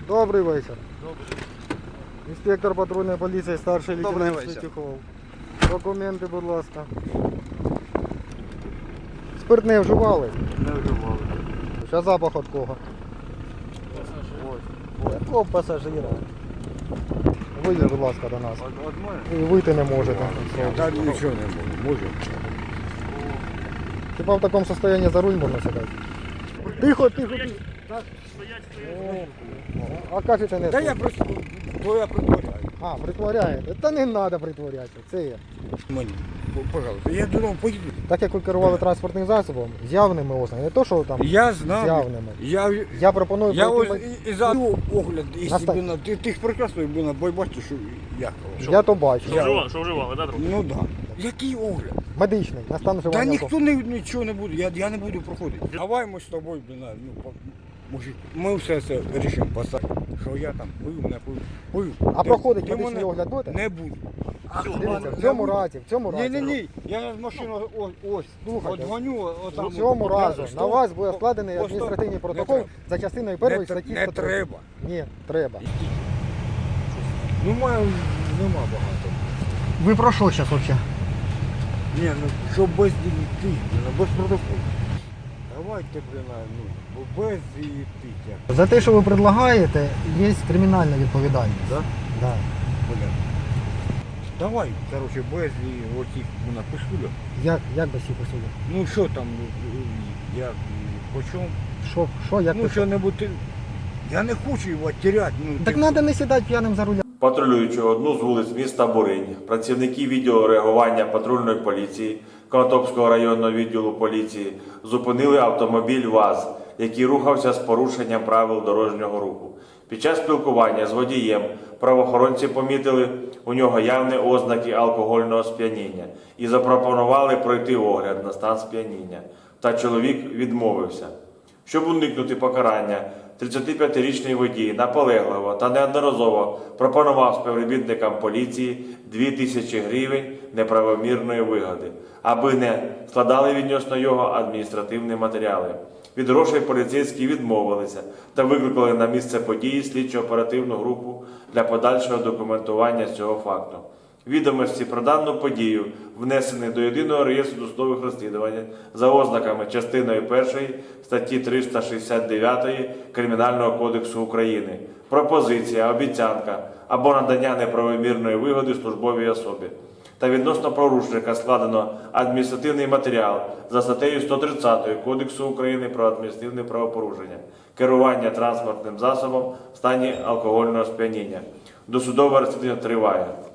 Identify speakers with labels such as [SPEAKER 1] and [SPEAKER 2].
[SPEAKER 1] Добрий вечір.
[SPEAKER 2] Добрий.
[SPEAKER 1] Інспектор патрульної поліції, старший
[SPEAKER 2] Добрий
[SPEAKER 1] лейтенант
[SPEAKER 2] вечір.
[SPEAKER 1] Святюхов. Документи, будь ласка. Спиртне вживали?
[SPEAKER 2] Не вживали.
[SPEAKER 1] Що запах від кого? Якого пасажира? Вийдіть, будь ласка, до нас.
[SPEAKER 2] От мене?
[SPEAKER 1] І вийти не можете.
[SPEAKER 3] Та нічого не можу. Можу.
[SPEAKER 1] Хіба в такому стані за руль можна сідати? Тихо, тихо, тихо. А кажете не
[SPEAKER 3] Та
[SPEAKER 1] тут.
[SPEAKER 3] я просто притворяю.
[SPEAKER 1] А, притворяєте? Та не треба притворятися, це є.
[SPEAKER 3] Мені, пожалуйста, я додому поїду.
[SPEAKER 1] Так як ви керували транспортним засобом, з явними ознаками, не то, що там
[SPEAKER 3] Я
[SPEAKER 1] з
[SPEAKER 3] знаю.
[SPEAKER 1] явними. Я пропоную
[SPEAKER 3] Я ось
[SPEAKER 1] пройти...
[SPEAKER 3] і за огляд, і
[SPEAKER 1] Настав-
[SPEAKER 3] собі на ти ж прекрасно був, бо бачиш, що я кажу.
[SPEAKER 1] Я то бачу.
[SPEAKER 4] Що вживали, да, друг?
[SPEAKER 3] Ну так. Да. Який огляд?
[SPEAKER 1] Медичний, на стан
[SPEAKER 3] Та
[SPEAKER 1] вживання.
[SPEAKER 3] ніхто нічого не буде, я не буду проходити. Давай ми з тобою, мужик, ми все це вирішимо посадити. Що я там пив, не пив.
[SPEAKER 1] А проходить
[SPEAKER 3] Ти
[SPEAKER 1] медичний
[SPEAKER 3] мене
[SPEAKER 1] огляд будете?
[SPEAKER 3] Не буду.
[SPEAKER 1] Дивіться, в цьому разі,
[SPEAKER 3] Ні. Я машину ось,
[SPEAKER 1] Слухайте,
[SPEAKER 3] дзвоню, отам.
[SPEAKER 1] в цьому разі на вас буде складений
[SPEAKER 3] По
[SPEAKER 1] адміністративний
[SPEAKER 3] сто-
[SPEAKER 1] протокол
[SPEAKER 3] не
[SPEAKER 1] за частиною першої статті
[SPEAKER 3] Не
[SPEAKER 1] 103.
[SPEAKER 3] треба.
[SPEAKER 1] Ні, треба.
[SPEAKER 3] Ну, нема багато.
[SPEAKER 1] Ви про що зараз взагалі?
[SPEAKER 3] Ні, ну, що без дітей, без протоколу. Давайте, без дітей.
[SPEAKER 1] За те, що ви предлагаєте, є кримінальна відповідальність.
[SPEAKER 3] Да?
[SPEAKER 1] Да.
[SPEAKER 3] Давай, короче, без оцих писулек.
[SPEAKER 1] Як без цих посудів?
[SPEAKER 3] Ну, що там, як, по чому?
[SPEAKER 1] Як
[SPEAKER 3] Ну,
[SPEAKER 1] ви?
[SPEAKER 3] що-небудь, я не хочу його теряти. Ну,
[SPEAKER 1] Так треба не сідати п'яним за руля.
[SPEAKER 5] Патрулюючи одну з вулиць міста Буринь, працівники відділу реагування патрульної поліції Конотопського районного відділу поліції зупинили автомобіль ВАЗ, який рухався з порушенням правил дорожнього руху. Під час спілкування з водієм правоохоронці помітили у нього явні ознаки алкогольного сп'яніння і запропонували пройти огляд на стан сп'яніння. Та чоловік відмовився. Щоб уникнути покарання, 35-річний водій наполегливо та неодноразово пропонував співробітникам поліції 2000 гривень неправомірної вигоди, аби не складали відносно його адміністративні матеріали. Від грошей поліцейські відмовилися та викликали на місце події слідчо-оперативну групу для подальшого документування цього факту. Відомості про дану подію внесені до Єдиного реєстру досудових розслідувань за ознаками частиною 1 статті 369 Кримінального кодексу України. Пропозиція, обіцянка або надання неправомірної вигоди службовій особі. Та відносно порушника складено адміністративний матеріал за статтею 130 Кодексу України про адміністративне правопорушення. Керування транспортним засобом в стані алкогольного сп'яніння. Досудове розслідування триває.